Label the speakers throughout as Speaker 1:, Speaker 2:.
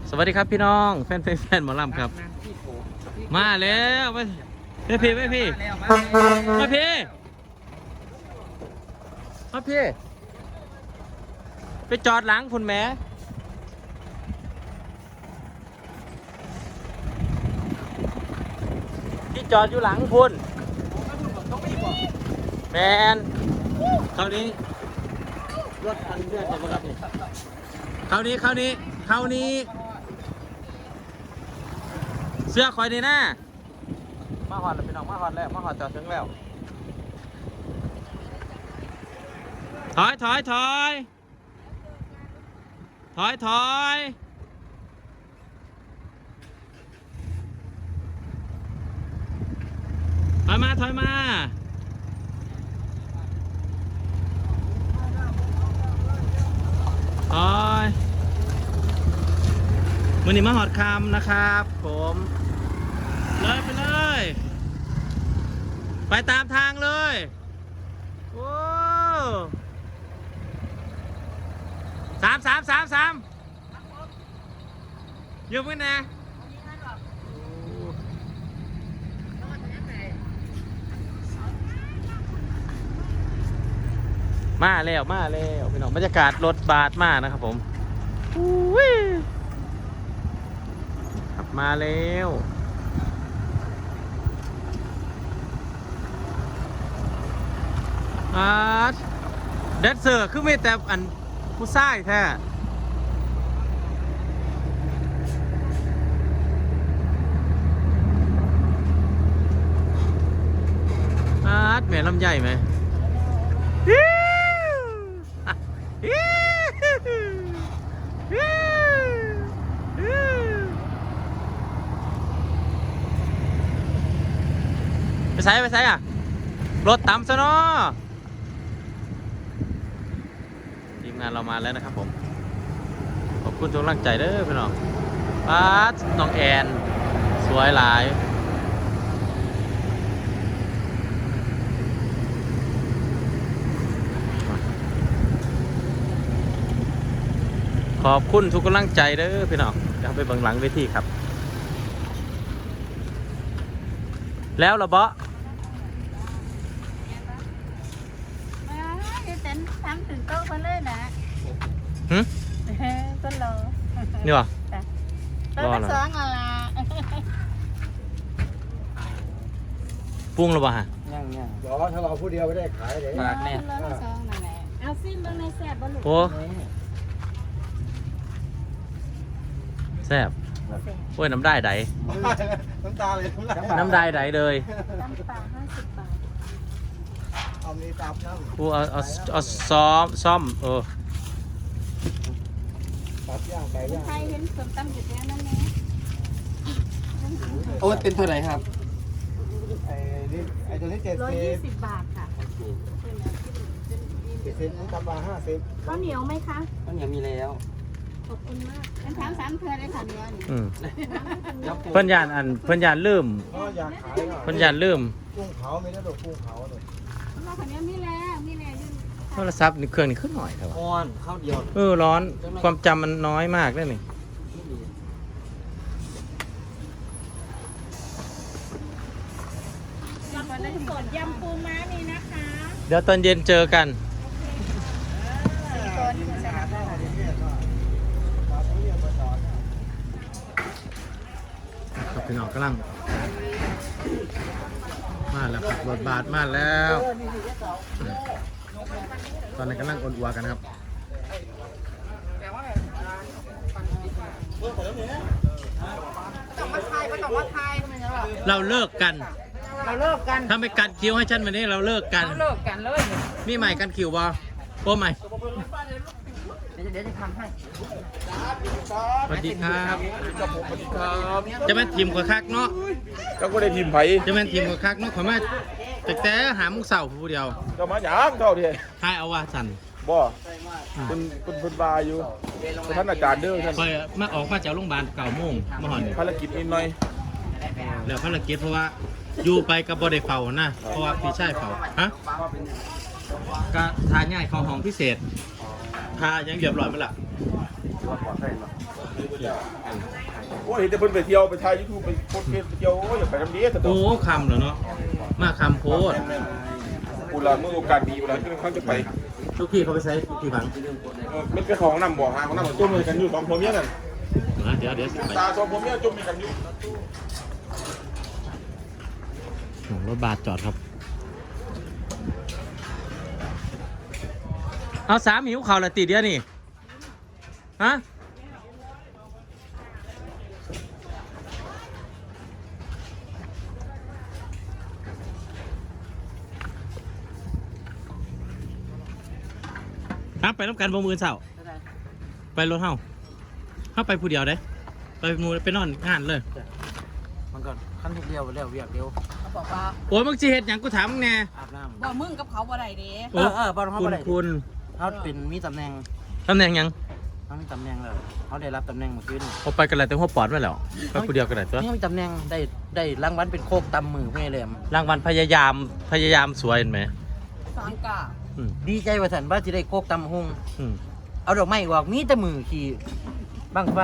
Speaker 1: สวัสดีครับพี่น้องแฟนหมอลำครับมาแล้วไม่พี่มาพี่ไปจอดหลังคุณแม่ที่จอดอยู่หลังคุณแมนคราวนี้รถคันเลื่อนจะมารับนี่คราวนี้เสื้อคอยดีนะมาหอดแล้วพี่น้องมาหอดแล้วมาหอดจอดถึงแล้วถอยมาวันนี้มาหอดคำนะครับผมเลยไปเลยไปตามทางเลยโอ้สามอยู่มั้ยนะมาแล้วพี่น้องบรรยากาศรถบาสมากนะครับผมขับมาแล้วแดนเซอร์คือไม่แต่อันผู้ชายแท้แม่ลำใหญ่ไหมไปใส่อ่ะรถต่ำซะเนาะทีมงานเรามาแล้วนะครับผมขอบคุณทุกกำลังใจเด้อพี่น้องน้องแอนสวยหลายขอบคุณทุกกำลังใจเด้อพี่น้องเดี๋ยวไปเบิ่งหลังเวทีครับแล้วเหรอบ๊ะ
Speaker 2: ทำถึงโต๊ะมาเลยนะก็รอ
Speaker 1: นี่วะ
Speaker 2: รอละ2
Speaker 1: ปรุงหรือเปล่าฮะ
Speaker 3: ยังเดี๋ยวถ้าเราผู้เดียวไม่ได้ขายเลย
Speaker 2: รอละ2นั่นแหละเอาซิมเบิ่งในแซ่บบ่ลูก
Speaker 1: โอ้แซ่บโอ้ยน้ำได้ได
Speaker 3: น้ำตาเลย
Speaker 1: น้ำได้ไดเลย
Speaker 2: ตำปลา50 บาท
Speaker 3: เอามีตับน้ำ
Speaker 1: กูเอาซ่อม
Speaker 3: ตับย่างไก่ย่าง
Speaker 2: ใครเห็นส้มตำอยู่แล้วนั่นแหละ
Speaker 3: โอ้เป็นเท่าไหร่ครับไอ้ตัวนี้
Speaker 2: 120 บาทค่ะ
Speaker 3: 70นี่ตับมา50
Speaker 2: ข้าวเหนียวไหมคะ
Speaker 3: ข้าวเหนียวมีแล้ว
Speaker 2: ขอบคุณมากเป็นถาม3เทื่อได้ค่ะเนื้อนี่
Speaker 1: เพิ่นยานลืม
Speaker 3: อยากขาย
Speaker 1: เพิ่นยานลืม
Speaker 3: กุ้งเผาไม่ได้ดอกกุ้งเผาเลย
Speaker 2: เราคนนี้มีแล้ว
Speaker 1: โทรศัพท์นี่เครื่องนี่ขึ้นหน่อยเถอะ
Speaker 3: อ่อนข้าวเดียว
Speaker 1: ร้อนความจำมันน้อยมากเลยนี่
Speaker 2: สดยำปูม้านี่นะคะ
Speaker 1: เดี๋ยวตอนเย็นเจอกันครับพี่น้องกำลังมาแล้วครับรถบาสมาแล้วตอนนี้กำลังอ่อนอัวกันครับเราเลิกกันถ้าไม่กัดคิวให้ฉันวันนี้เราเลิกกัน
Speaker 2: เลย
Speaker 1: มีใหม่กันคิวบอโอ้ใหม่
Speaker 2: เดี๋ยวจะทำให้
Speaker 1: สวัสดีครับจะเป็นทีมกว่าคักเนาะ
Speaker 3: ก็ได้ทีมไผ่
Speaker 1: จะเป็นทีมกว่าคักเนาะขอมาแต่หามุกเสาผู้เดียว
Speaker 3: ก็มาหยางเท่าเดียว
Speaker 1: ทายเอาว่าสัน
Speaker 3: บ่เป็นบาอยู่ท่านอาจารย์เด้อท่าน
Speaker 1: คอยมาออกมาจากโรงพยาบาล9 โมงมาหอน
Speaker 3: ภารกิจนิดหน่อย
Speaker 1: แล้วภารกิจเพราะว่าอยู่ไปกับบอดี้เฝ้านะเพราะว่าพี่ชายเฝ้าฮะก็ทานง่ายของห้องพิเศษทายังเรียบร้อยมั้ยล่ะ
Speaker 3: โอ้ยเห็นแต่เพิ่นไปเที่ยวไปถ่าย YouTube ไปโพสต์เฟซไปเที่ยวโอ้ยอย่าไปทำดีแต่ตัว
Speaker 1: โอ้คำเหรอเนาะมาคำโพด
Speaker 3: กูละมือโอกาสดีกูละที่เขาจะไป
Speaker 1: ทุกพี่เขาไปใช้กี่บัง
Speaker 3: มันเป็นของน้ำบ่อหาของน้ำจุ่มเลยกันอยู่สองผมเนี่ยนั่น
Speaker 1: เดี๋ยว
Speaker 3: ตาสองผมเนี่ยจุ่มมีกันอยู่
Speaker 1: รถบาสจอดครับเอาสามหิวเข่าละตีเดียวนี่ฮะครับไปรับการบ่มือเสาไปรถเฮาเข้าไปผู้เดียวได้ไปมูไปนอนงานเลย
Speaker 4: มันก่อนขั้นทุกเดียวเร็วเวียกเร็ว
Speaker 2: เขาบอกว่า
Speaker 1: โอ้ยมึงจีเห็ดหยังกูถามมึงแน่
Speaker 4: อาบน้ำ
Speaker 2: บ่มึงกับเขาบ่ได้เด้
Speaker 4: บอลเขา
Speaker 1: คุณ
Speaker 4: บ่ได้
Speaker 1: คุณ
Speaker 4: เขาเป็นมีตำแหน่ง
Speaker 1: ตำแหน่งหยัง
Speaker 4: เขามีตำแหน่งแล้วเขาได้รับตำแหน่งเมื่อคืน
Speaker 1: พอไปกันเลยแต่หัวปอดไม่แล้วไปผู้เดียวกันเลยตัว
Speaker 4: นี่มีตำแหน่งได้รางวัลเป็นโคกตำมือเพื่อแหลม
Speaker 1: รางวัลพยายามสวยเห็นไหม
Speaker 2: สามกะ
Speaker 1: อืม
Speaker 4: ดีใจว่าสันว่าจะได้โคกตำหุ่ง
Speaker 1: อืม
Speaker 4: เอาดอกไม้ออกมีแต่มือขี่บังไฟ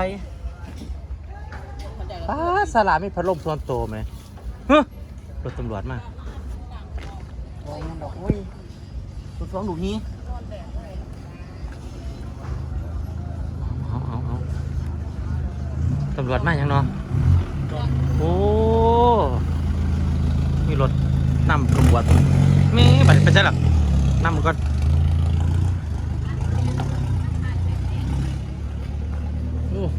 Speaker 2: เข้าใจ
Speaker 1: ป้าสลามีพัดลมส่วนโตไหมเฮ้ยรถตำรวจมา
Speaker 4: โอ้ยมันบอกโอ้ยสุดฟ้องดูนี้
Speaker 1: เอาตำรวจมาอย่างเนาะโอ้มีรถนำตำรวจมีบัตรไปใช่หรอนำก่อนโอ้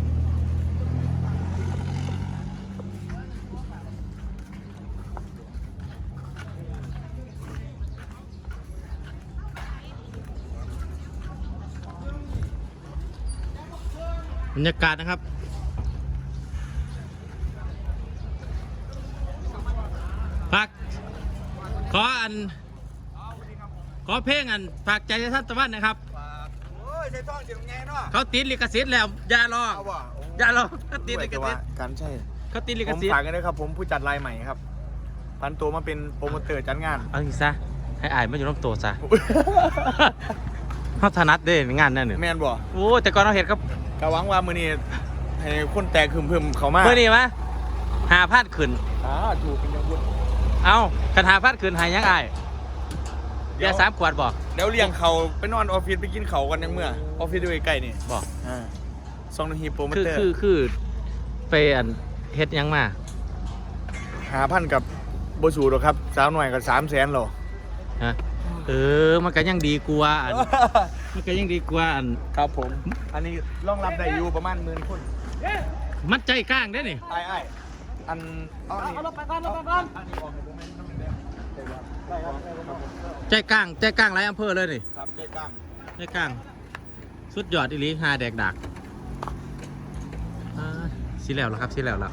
Speaker 1: บรรยากาศนะครับพักขอเพลงฝากใจท่านตะวันนะครับ
Speaker 3: โอ้ยใช้ท่องเสียงไงเนาะ
Speaker 1: เขาติดลิขสิทธิ์แล้วอย่ารออย่ารอเขาติดลิขสิทธิ์
Speaker 3: กันใช่
Speaker 1: เขาติดลิ
Speaker 3: ผ
Speaker 1: ข
Speaker 3: ม
Speaker 1: สิทธิ์
Speaker 3: ฝากกันด้วยครับผมผู้จัดรายใหม่ครับพันตัวมาเป็นโปรโมเตอร์จัดงาน
Speaker 1: เอาอีกซะให้อายมาอยู่น้ำโตซะเขาถนัดเด้งานนั่นเนี่ย
Speaker 3: แมนบ่
Speaker 1: โอ้แต่ก่อนเราเห็นครับ
Speaker 3: กะหวังว่ามื้อนี้ให้คนแตกคึมๆเขามา
Speaker 1: เมื่อนี้มะหาพาดขึ้น
Speaker 3: ถูกเป็นยังบุญ
Speaker 1: เอากันหาพาดขึ้นหายยังอายเบียร์3 ขวดบอก
Speaker 3: เดี๋ยวเลี้ยงเขาไปนอนออฟฟิศไปกินเขากันยังเมื่อออฟฟิศอยู่ใกล้ๆนี่
Speaker 1: บอก
Speaker 3: ซองนาทีโปรโม
Speaker 1: คือ
Speaker 3: เตอร์
Speaker 1: คือไปเฮ็ดหยังมา
Speaker 3: 5,000กับโบสูหรอกครับสาวหน่อยกับ300,000หรอ
Speaker 1: ฮะมันก็ยังดีกว่ามันก็ยังดีกว่า
Speaker 3: ครับผม อันนี้รองรับได้อยู่ประมาณ10,000 คน
Speaker 1: มัดใจกลางได้นี่
Speaker 3: ไอ้อันเอาลงไปก่อนอันนี้ออกในโมเมนต์นั่นเป็นได้ครับ
Speaker 1: ใจกลางหลายอำเภอเลยนี่
Speaker 3: ครับเจ๊ก้าง
Speaker 1: ใจกลางสุดยอดอีหลีหาแดกดักสิแล้วครับสิแล้ว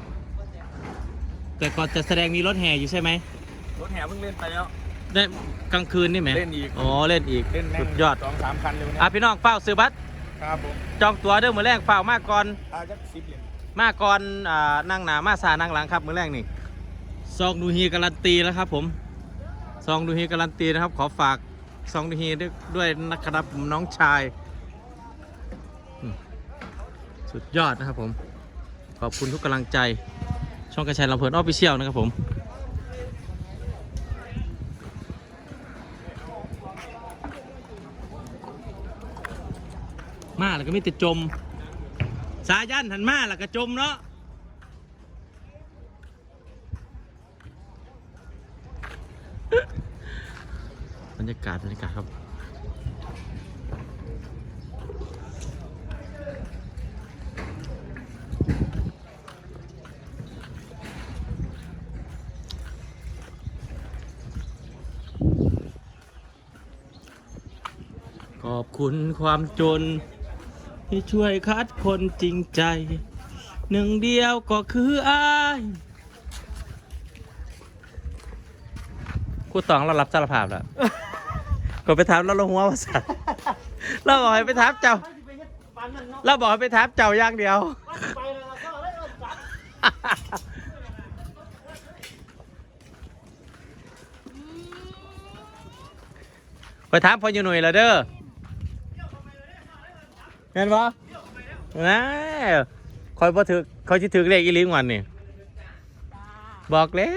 Speaker 1: แต่ก่อนจะแสดงมีรถแห่อยู่ใช่ไหม
Speaker 3: รถแห่เพิ่งเล่นไปแล้ว
Speaker 1: ได้กลางคืนนี่ไหม
Speaker 3: เล่นอีก
Speaker 1: อ๋อเล่นอีก
Speaker 3: เล่นแม่
Speaker 1: สุ
Speaker 3: ง
Speaker 1: ดยอด
Speaker 3: 2-3 คันเลยวันนี้
Speaker 1: พี่น้องเฝ้าซื้อบัตร
Speaker 3: ครับผม
Speaker 1: จองตั๋วเด้อมือแรกเฝ้ามาก่อน
Speaker 3: จัก10 เหรียญ
Speaker 1: มาก่อนนั่งหนามาซานั่งหลังครับมือแรกนี่ซองดูฮีการันตีแล้วครับผมซองดูฮีการันตีนะครับ ขอฝากซองดูฮีด้วยนะครับผมน้องชายสุดยอดนะครับผมขอบคุณทุกกำลังใจช่องกระชายลำเพลินออฟฟิเชียลนะครับผมมาแล้วก็ไม่ติดจมสายันหันมาแล้วก็จมเนาะบรรยากาศครับขอบคุณความจนที่ช่วยคัดคนจริงใจหนึ่งเดียวก็คืออ้ายครูตองเรารับสารภาพแล้วก็ไปถามเราลงหัวภาษาเราบอกให้ไปถามเจ้าเราบอกให้ไปถามเจ้าอย่างเดียวไปถามพ่ออยู่หน่วยละเด้อเห็นปะนะคอยบ่ถือคอยสิถือเลขอีหลิงวันนี่บอกแล้ว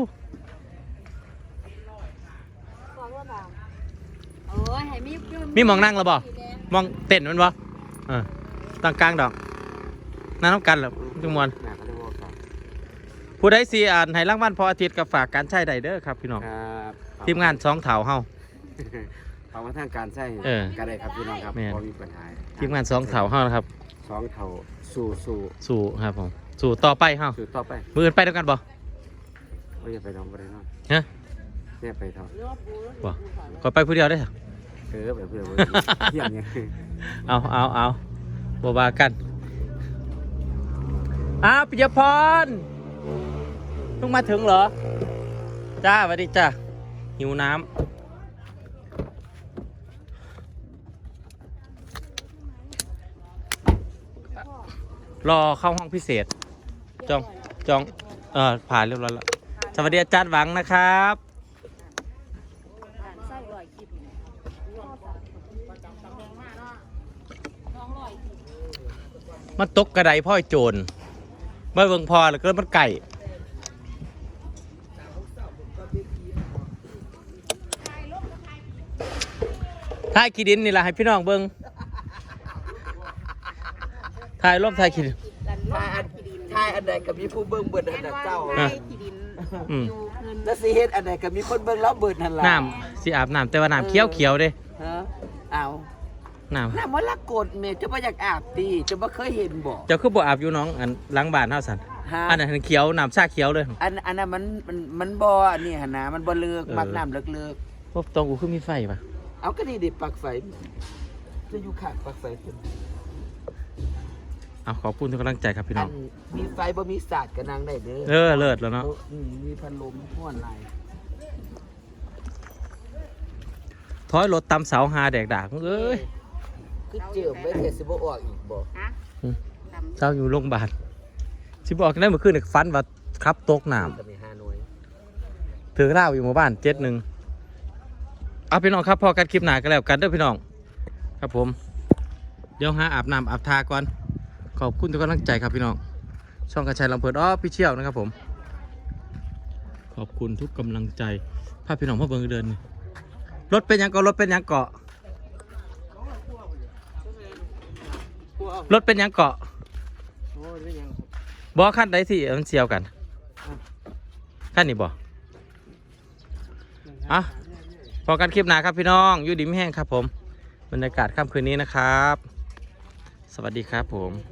Speaker 2: บอกว่าบ่าวโอ้ยให้มี
Speaker 1: มีหมองนั่งแล้วบ่มองเต้นมันบ่ตั้งกลางดอกนั่งน้ำกันเหรอจุมวน
Speaker 3: หนาเขาจะบอกครับ
Speaker 1: ผู้ใดสิอ่านให้รางวัลพออาทิตย์กับฝากการใช้ได้เด้อครับพี่น้อง
Speaker 3: ครับ
Speaker 1: ทีมงานสองเถาเฮา
Speaker 3: เอามาทางการใช้
Speaker 1: เออ
Speaker 3: ก็ได้ครับพี่น้องครับ
Speaker 1: แม่น
Speaker 3: พอมีปัญหา
Speaker 1: ทีมงานสองเถาเฮานะครับ
Speaker 3: สองเท่าสู่
Speaker 1: สู่ครับผมสู่ต่อไปเฮา
Speaker 3: สู่ต่อไป
Speaker 1: มืออื่นไปด้วยกันบ่
Speaker 3: ว่าอย่าไปน้องบ่ได้นอน
Speaker 1: ฮะ
Speaker 3: เนี่ยไปเท่า
Speaker 1: บ่ก็ไปผู้เดียวได้อ
Speaker 3: ไปเพื่อนเที่ยงเนี่ย
Speaker 1: เอาบ่ว่ากันปิยพรเพิ่งมาถึงเหรอจ้าสวัสดีจ้าหิวน้ำรอเข้าห้องพิเศษจองผ่านเรียบร้อยแล้วสวัสดีอาจารย์หวังนะครับ
Speaker 2: ใส่ร้อยคลิป
Speaker 1: มันตกกระไดพ่อยโจรเมื่อเบิ่งพอแล้วก็มันไก่ถ่ายขี้ดินนี่แหละให้พี่น้องเบิ่งถ่ายรูปถ่ายขี้ดิน
Speaker 4: ทายอันใดก็มีผู้เบิ่งเบิดอันนั้นเจ้า
Speaker 2: ที่ดิน
Speaker 1: อืม
Speaker 2: อยู่เงิน
Speaker 4: แล้วสิเฮ็ดอันใดก็มีคนเบิ่งแล้วเบิดนั่นล่ะ
Speaker 1: น้ำสิอาบน้ำแต่ว่าน้ำเขียวเด้
Speaker 4: ฮะเอา
Speaker 1: น้
Speaker 4: น้ำมันละกดแม่จะบ่อยากอาบติจะบ่เคยเห็นบ่
Speaker 1: ำเจ้าคือบ่อาบอยู่น้องอันหล้างบ้านเฮาสัน
Speaker 4: ฮะ
Speaker 1: อันนั้นเขียวน้ำชาเขียวเลย
Speaker 4: อันนั้นมันบ่อันนี้หั่นนะมันบ่เลิก
Speaker 1: เออ
Speaker 4: มักน้ำเลิก
Speaker 1: พวกตรงกูคือมีไฟปะ
Speaker 4: ๆเอาก็นี่ดิปลั๊กไฟจะอยู่ข้างปลั๊กไฟเพิ่น
Speaker 1: เอาขอบคุณทุกกำลังใจครับพี่น้
Speaker 4: อั
Speaker 1: อง
Speaker 4: นมีไฟบ่มีสาดก็นั่งได้เด้อ
Speaker 1: เลิศแล้วเนาะ
Speaker 4: มีพัดลมม่วนหลาย
Speaker 1: ถอยรถตำเสาหาแดกดากมึงเอ้ย
Speaker 4: คือเจิมไว้เทสิบ่ออกอีกบ่
Speaker 2: ฮะ
Speaker 1: เจ้าอยู่โรงพยาบาลสิบอกได้เมื่อคืนนี่ฟันว่าครับตกน้
Speaker 4: ก็มี5หน่วย
Speaker 1: ำถือเหล้าอยู่หมู่บ้าน7-1เอาพี่น้องครับพอกันคลิปหน้ากันแล้วกันเด้อพี่น้องครับผมเดี๋ยวหาอาบน้ำอาบทาก่อนขอบคุณทุกกำลังใจครับพี่น้องช่องกระชายลำเพลินพี่เชี่ยวนะครับผมขอบคุณทุกกำลังใจพาพี่น้องมาเบิ่งเดินนี่รถเป็นหยังเกาะรถเป็นหยังเกาะรถเป็นหยังเกาะ
Speaker 4: โอ้ยเป็นหยัง
Speaker 1: บอขั้นใดสิมันเสียวกันขั้นนี้บอ่ะพอกันคลิปหน้าครับพี่น้องอยู่ดีไม่แห้งครับผมบรรยากาศค่ำคืนนี้นะครับ สวัสดีครับผม